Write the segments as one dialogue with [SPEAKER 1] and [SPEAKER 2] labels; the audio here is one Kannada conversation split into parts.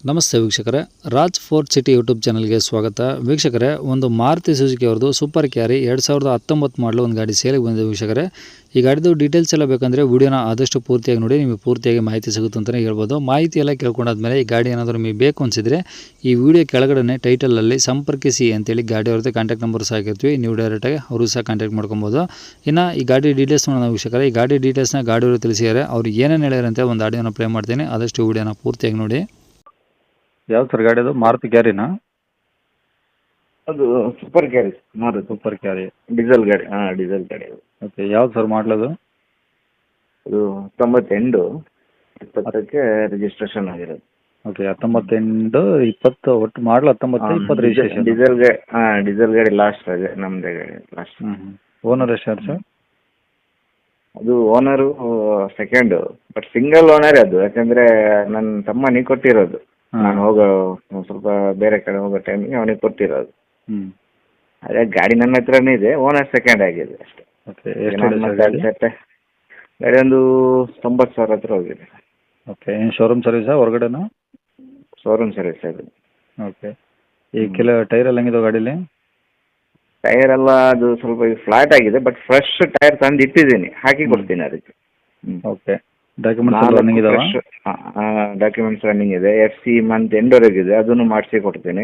[SPEAKER 1] ನಮಸ್ತೆ ವೀಕ್ಷಕರೇ, ರಾಜ್ ಫೋರ್ಟ್ ಸಿಟಿ ಯೂಟ್ಯೂಬ್ ಚಾನಲ್ಗೆ ಸ್ವಾಗತ. ವೀಕ್ಷಕರೇ, ಒಂದು ಮಾರುತಿ ಸುಜುಕಿ ಅವ್ರದ್ದು ಸೂಪರ್ ಕ್ಯಾರಿ 2019 ಮಾಡಲು ಒಂದು ಗಾಡಿ ಸೇಲಿಗೆ ಬಂದಿದೆ. ವೀಕ್ಷಕರೇ, ಈ ಗಾಡಿದು ಡೀಟೇಲ್ಸ್ ಎಲ್ಲ ಬೇಕಂದರೆ ವಿಡಿಯೋನ ಆದಷ್ಟು ಪೂರ್ತಿಯಾಗಿ ನೋಡಿ, ನಿಮಗೆ ಪೂರ್ತಿಯಾಗಿ ಮಾಹಿತಿ ಸಿಗುತ್ತೆ ಅಂತಲೇ ಹೇಳ್ಬೋದು. ಮಾಹಿತಿ ಎಲ್ಲ ಕೇಳ್ಕೊಂಡಾದ್ಮೇಲೆ ಈ ಗಾಡಿ ಏನಾದರೂ ನಿಮಗೆ ಬೇಕು ಅನಿಸಿದರೆ ಈ ವಿಡಿಯೋ ಕೆಳಗಡೆ ಟೈಟಲಲ್ಲಿ ಸಂಪರ್ಕಿಸಿ ಅಂತೇಳಿ ಗಾಡಿ ಅವ್ರದ್ದು ಕಾಂಟ್ಯಾಕ್ಟ್ ನಂಬರ್ ಸಹ ಹಾಕಿರ್ತೀವಿ. ನೀವು ಡೈರೆಕ್ಟಾಗಿ ಅವರು ಸಹ ಕಾಂಟ್ಯಾಕ್ಟ್ ಮಾಡ್ಕೊಬೋದು. ಇನ್ನು ಈ ಗಾಡಿ ಡೀಟೇಲ್ಸ್ ನೋಡೋಣ ವೀಕ್ಷಕರೇ. ಈ ಗಾಡಿ ಡೀಟೇಲ್ಸ್ನ ಗಾಡಿಯವರು ತಿಳಿಸಿದ್ದಾರೆ. ಅವ್ರು ಏನೇನು ಹೇಳ್ಯಾರಂತೆ ಒಂದು ಆಡಿಯೋನ ಪ್ಲೇ ಮಾಡ್ತೀನಿ, ಆದಷ್ಟು ವಿಡಿಯೋನ ಪೂರ್ತಿಯಾಗಿ ನೋಡಿ.
[SPEAKER 2] ಯಾವ್ದು ಸರ್ ಗಾಡಿ ಅದು? ಮಾರುತಿ ಕ್ಯಾರಿನಾ?
[SPEAKER 3] ಅದು super carry. Maruti
[SPEAKER 2] super carry
[SPEAKER 3] diesel ಗಾಡಿ. ಡೀಸೆಲ್ ಗಾಡಿ ಅದು.
[SPEAKER 2] ಓಕೆ, ಯಾವ್ದು ಸರ್ ಮಾಡಲದು?
[SPEAKER 3] ಅದು 98 20ಕ್ಕೆ ರಿಜಿಸ್ಟ್ರೇಷನ್ ಆಗಿರೋದು.
[SPEAKER 2] ಓಕೆ, 19 20 ಒಟ್ಟು ಮಾಡಲು 19 20 ರಿಜಿಸ್ಟ್ರೇಷನ್.
[SPEAKER 3] ಡೀಸೆಲ್ ಗಾಡಿ ಲಾಸ್ಟ್ ಇದೆ, ನಮ್ಮದೇ ಗಾಡಿ ಲಾಸ್ಟ್.
[SPEAKER 2] ಓನರ್ ಎಷ್ಟು ಸರ್?
[SPEAKER 3] ಅದು owner second, but single owner ಅದು. ಯಾಕಂದ್ರೆ ನನ್ನ ತಮ್ಮನಿಗೆ ಕೊಟ್ಟಿರೋದು. ನಾನು ಹೋಗೋ ಸ್ವಲ್ಪ ಬೇರೆ ಕಡೆ ಹೋಗೋ ಟೈಮಿಗೆ ಅವನಿಗೆ ಕೊಟ್ಟಿರೋದು. ಅದೇ ಗಾಡಿ ನನ್ನ ಹತ್ರನೇ ಇದೆ, ಓನರ್ ಸೆಕೆಂಡ್ ಆಗಿದೆ ಅಷ್ಟೇ.
[SPEAKER 2] ಓಕೆ, ಎಷ್ಟು
[SPEAKER 3] ಗಾಡಿ ಒಂದು 90,000 ಹತ್ರ ಹೋಗಿದೆ.
[SPEAKER 2] ಓಕೆ, ಏನು ಶೋರೂಮ್ ಸರ್ವಿಸಾ ಹೊರಗಡೆನಾ?
[SPEAKER 3] ಶೋರೂಮ್ ಸರ್ವಿಸ್ ಅದು.
[SPEAKER 2] ಓಕೆ, ಈ ಟೈರ್ ಎಲ್ಲ ಹೆಂಗಿದೆ ಗಾಡೀಲಿ?
[SPEAKER 3] ಟೈರ್ ಎಲ್ಲ ಅದು ಸ್ವಲ್ಪ ಫ್ಲಾಟ್ ಆಗಿದೆ, ಬಟ್ ಫ್ರೆಶ್ ಟೈರ್ ತಂದು ಇಟ್ಟಿದ್ದೀನಿ, ಹಾಕಿ ಕೊಡ್ತೀನಿ ಅದಕ್ಕೆ.
[SPEAKER 2] ಓಕೆ, ಡಾಕ್ಯುಮೆಂಟ್ಸ್ ರನ್ನಿಂಗ್ ಇದಾವ?
[SPEAKER 3] ಡಾಕ್ಯುಮೆಂಟ್ಸ್ ರನ್ನಿಂಗ್ ಇದೆ. FC ಮಂತ್ ಎಂಡ್ವರೆಗೆ ಇದೆ, ಅದನ್ನು ಮಾಡಿಸಿ ಕೊಡ್ತೀನಿ.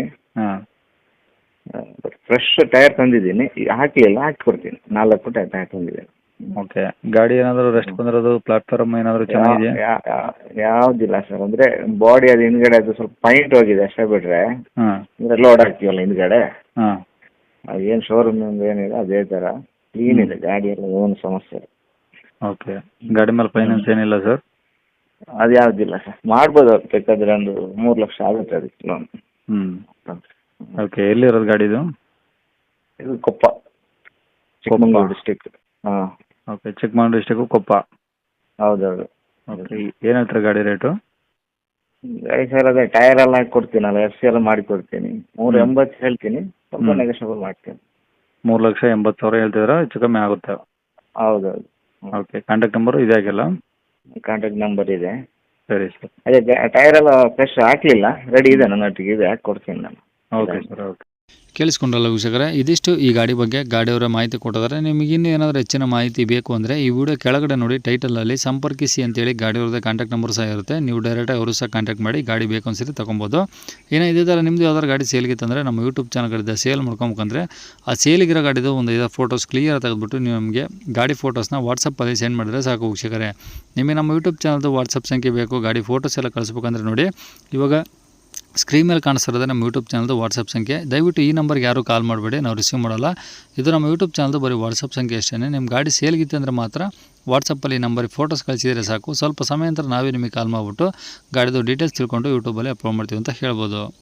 [SPEAKER 3] ಬಟ್ ಫ್ರೆಶ್ ಟೈರ್ ತಂದಿದ್ದೀನಿ, ಹಾಕಲಿಲ್ಲ, ಹಾಕಿ ಕೊಡ್ತೀನಿ. 4 ಟೈರ್ ತಂದಿದ್ದೀನಿ.
[SPEAKER 2] ಓಕೆ, ಗಾಡಿ ಏನಾದರೂ ರೆಸ್ಟ್ ಬಂದಿರೋದು, ಪ್ಲಾಟ್ಫಾರ್ಮ್ ಏನಾದರೂ ಚೆನ್ನಾಗಿದೆಯಾ?
[SPEAKER 3] ಯಾವುದಿಲ್ಲ ಸರ್, ಅಂದರೆ ಬಾಡಿ ಅದು ಹಿಂದ್ಗಡೆ ಅದು ಸ್ವಲ್ಪ ಪೈಂಟ್ ಹೋಗಿದೆ ಅಷ್ಟೇ, ಬಿಟ್ರೆ ಅಂದರೆ ಲೋಡ್ ಹಾಕ್ತೀವಲ್ಲ ಹಿಂದ್ಗಡೆ, ಏನು ಶೋರೂಮ್ ಏನಿದೆ ಅದೇ ಥರ ಕ್ಲೀನ್ ಇದೆ ಗಾಡಿ ಎಲ್ಲ, ಏನು ಸಮಸ್ಯೆ ಇಲ್ಲ.
[SPEAKER 2] ಓಕೆ, ಗಾಡಿ ಮೇಲೆ ಫೈನಾನ್ಸ್ ಏನಿಲ್ಲ ಸರ್?
[SPEAKER 3] ಅದು ಯಾವುದಿಲ್ಲ ಸರ್, ಮಾಡ್ಬೋದು. ಅವ್ರು ಬೇಕಾದ್ರೆ ಒಂದು 3 ಲಕ್ಷ ಆಗುತ್ತೆ ಅದಕ್ಕೆ ಲೋನ್.
[SPEAKER 2] ಓಕೆ, ಎಲ್ಲಿರೋದು ಗಾಡಿದು?
[SPEAKER 3] ಇದು Koppa, Chikkamagaluru district.
[SPEAKER 2] Okay, Chikkamagaluru district Koppa.
[SPEAKER 3] ಹೌದೌದು.
[SPEAKER 2] ಓಕೆ, ಏನು ಹೇಳ್ತಾರೆ ಗಾಡಿ ರೇಟು?
[SPEAKER 3] ಗಾಡಿ ಸರ್ ಅದೇ ಟೈರ್ ಎಲ್ಲ ಹಾಕಿ ಕೊಡ್ತೀನಲ್ಲ, FC ಎಲ್ಲ ಮಾಡಿ ಕೊಡ್ತೀನಿ. 380 ಹೇಳ್ತೀನಿ, ಸ್ವಲ್ಪ ನೆಗೋಷಿಯಬಲ್ ಮಾಡ್ತೀನಿ.
[SPEAKER 2] 3,80,000 ಹೇಳ್ತಿದ್ದೀರಾ? ಹೆಚ್ಚು ಕಮ್ಮಿ ಆಗುತ್ತೆ?
[SPEAKER 3] ಹೌದೌದು.
[SPEAKER 2] ಓಕೆ, ಕಾಂಟ್ಯಾಕ್ಟ್ ನಂಬರು ಇದೆ ಆಗಿಲ್ಲ?
[SPEAKER 3] ಕಾಂಟ್ಯಾಕ್ಟ್ ನಂಬರ್ ಇದೆ.
[SPEAKER 2] ಸರಿ ಸರ್.
[SPEAKER 3] ಅದೇ ಟೈರ್ ಎಲ್ಲ ಫ್ರೆಶ್ ಹಾಕಲಿಲ್ಲ, ರೆಡಿ ಇದೆ, ನನ್ನ ಒಟ್ಟಿಗೆ ಇದೆ, ಹಾಕಿ ಕೊಡ್ತೀನಿ ನಾನು.
[SPEAKER 2] Okay sir. ಓಕೆ,
[SPEAKER 1] ಕೇಳಿಸ್ಕೊಂಡ್ರಲ್ಲ ವೀಕ್ಷಕರೇ, ಇದಿಷ್ಟು ಈ ಗಾಡಿ ಬಗ್ಗೆ ಗಾಡಿಯವರ ಮಾಹಿತಿ ಕೊಟ್ಟಿದ್ದಾರೆ. ನಿಮಗೆ ಇನ್ನೂ ಏನಾದರೂ ಹೆಚ್ಚಿನ ಮಾಹಿತಿ ಬೇಕು ಅಂದರೆ ಈ ವಿಡಿಯೋ ಕೆಳಗಡೆ ನೋಡಿ ಟೈಟಲಲ್ಲಿ ಸಂಪರ್ಕಿಸಿ ಅಂತೇಳಿ ಗಾಡಿಯವ್ರದ್ದು ಕಾಂಟ್ಯಾಕ್ಟ್ ನಂಬರ್ ಸಹ ಇರುತ್ತೆ. ನೀವು ಡೈರೆಕ್ಟಾಗಿ ಅವರು ಸಹ ಕಾಂಟ್ಯಾಕ್ಟ್ ಮಾಡಿ ಗಾಡಿ ಬೇಕು ಅನ್ಸಿದ್ರೆ ತೊಗೊಬೋದು. ಏನೋ ಇದೇ ಥರ ನಿಮ್ಮದು ಯಾವ್ದಾದ್ರು ಗಾಡಿ ಸೇಲ್ಗಿತ್ತಂದರೆ ನಮ್ಮ ಯೂಟ್ಯೂಬ್ ಚಾನಲ್ಗಳಿಂದ ಸೇಲ್ ಮಾಡ್ಕೊಬೇಕಂದ್ರೆ ಆ ಸೇಲಿಗಿರೋ ಗಾಡಿದು ಒಂದು 5 ಫೋಟೋಸ್ ಕ್ಲಿಯರ್ ತೆಗೆದುಬಿಟ್ಟು ನೀವು ನಮಗೆ ಗಾಡಿ ಫೋಟೋಸ್ನ ವಾಟ್ಸಪ್ಪಲ್ಲಿ ಸೆಂಡ್ ಮಾಡಿದರೆ ಸಾಕು ವೀಕ್ಷಕರೇ. ನಿಮಗೆ ನಮ್ಮ ಯೂಟ್ಯೂಬ್ ಚಾನಲ್ದು ವಾಟ್ಸಪ್ ಸಂಖ್ಯೆ ಬೇಕು, ಗಾಡಿ ಫೋಟೋಸ್ ಎಲ್ಲ ಕಳಿಸ್ಬೇಕಂದ್ರೆ ನೋಡಿ, ಇವಾಗ ಸ್ಕ್ರೀನ್ ಮೇಲೆ ಕಾಣಿಸ್ತಿರೋದು ನಮ್ಮ ಯೂಟ್ಯೂಬ್ ಚಾನಲ್ದು ವಾಟ್ಸಪ್ ಸಂಖ್ಯೆ. ದಯವಿಟ್ಟು ಈ ನಂಬರ್ಗೆ ಯಾರೂ ಕಾಲ್ ಮಾಡಬೇಡಿ, ನಾವು ರಿಸೀವ್ ಮಾಡೋಲ್ಲ. ಇದು ನಮ್ಮ ಯೂಟ್ಯೂಬ್ ಚಾನಲ್ದು ಬರೀ ವಾಟ್ಸಪ್ ಸಂಖ್ಯೆ ಅಷ್ಟೇ. ನಿಮ್ಮ ಗಾಡಿ ಸೇಲ್ಗಿತ್ತು ಅಂದರೆ ಮಾತ್ರ ವಾಟ್ಸಪ್ಪಲ್ಲಿ ಈ ನಂಬರಿಗೆ ಫೋಟೋಸ್ ಕಳಿಸಿದರೆ ಸಾಕು. ಸ್ವಲ್ಪ ಸಮಯ ನಂತರ ನಾವೇ ನಿಮಗೆ ಕಾಲ್ ಮಾಡಿಬಿಟ್ಟು ಗಾಡಿದು ಡೀಟೇಲ್ಸ್ ತಿಳ್ಕೊಂಡು ಯೂಟ್ಯೂಬಲ್ಲಿ ಅಪ್ಲೋಡ್ ಮಾಡ್ತೀವಿ ಅಂತ ಹೇಳ್ಬೋದು.